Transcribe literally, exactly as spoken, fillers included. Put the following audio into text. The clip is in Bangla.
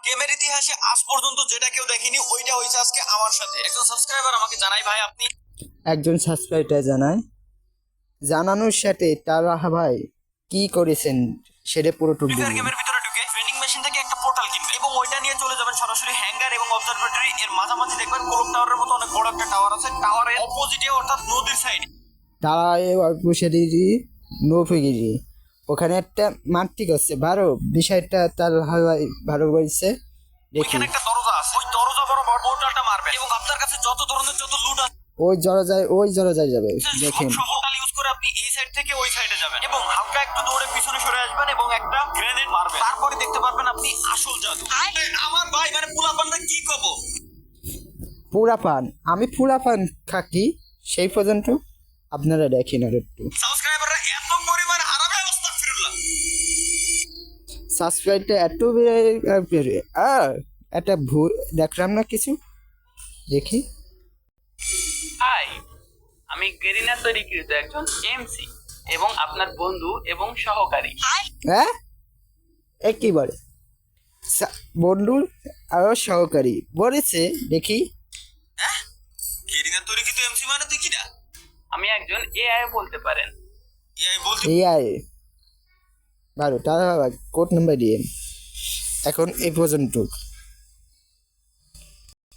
গেমের ইতিহাসে আজ পর্যন্ত যেটা কেউ দেখেনি ওইটা হয়েছে আজকে আমার সাথে। একজন সাবস্ক্রাইবার আমাকে জানাই, ভাই আপনি একজন সাবস্ক্রাইবার জানায় জানানোর সাথে তারা ভাই কি করেছেন সেটা পুরোটুকু ফ্রি ফায়ার বলুন। গেমের ভিতরে ঢুকে ট্রেনিং মেশিন থেকে একটা পোর্টাল কিনবেন এবং ওইটা নিয়ে চলে যাবেন সরাসরি হ্যাঙ্গার এবং অবজারভেটরি এর মাঝামাঝি দেখবেন কোলক টাওয়ারের মতো অনেক বড় একটা টাওয়ার আছে। টাওয়ারের অপোজিটে অর্থাৎ নদীর সাইডে তারা বসে দিয়েছি নৌফিগিরি ওখানে একটা মাটি করছে বারো বিষয়টা তার ভাই ভালো বলছে দেখি ওইখানে একটা দরজা আছে, ওই দরজা বরাবর পোর্টালটা মারবেন এবং আপনার কাছে যত ধরনের যত লুট আছে ওই জড়া যায় ওই জড়া যায় যাবে দেখেন সব পোর্টাল ইউজ করে আপনি এই সাইড থেকে ওই সাইডে যাবেন এবং হালকা একটু দৌড়ে পিছনে সরে আসবেন এবং একটা গ্রেনেড মারবেন। তারপরে দেখতে পারবেন আপনি আসল জাদু। আমার ভাই মানে পোলাপানটা কি কব, পুরা পান আমি পুরা পান খাকি সেই পর্যন্ত আপনারা দেখেন আর একটু সাবস্ক্রাইবাররা এত পরিমাণ হারাবে আস্তাগফিরুল্লাহ। সাবস্ক্রাইবটা এত বেড়ে আর একটা ভুল দেখলাম না কিছু দেখি হাই, আমি গেরিনা তৈরিকৃত একজন এমসি এবং আপনার বন্ধু এবং সহকারী। হ্যাঁ এ কি বলে সা- বন্ধুর আরো সহকারী বলেছে দেখি হ্যাঁ কেরিনা তোর কি তো এমসি মানে তুই কি না আমি একজন এআই বলতে পারেন। এই বলতে এআই বারো তারা কোড নাম্বার দিয়ে এখন এই পর্যন্ত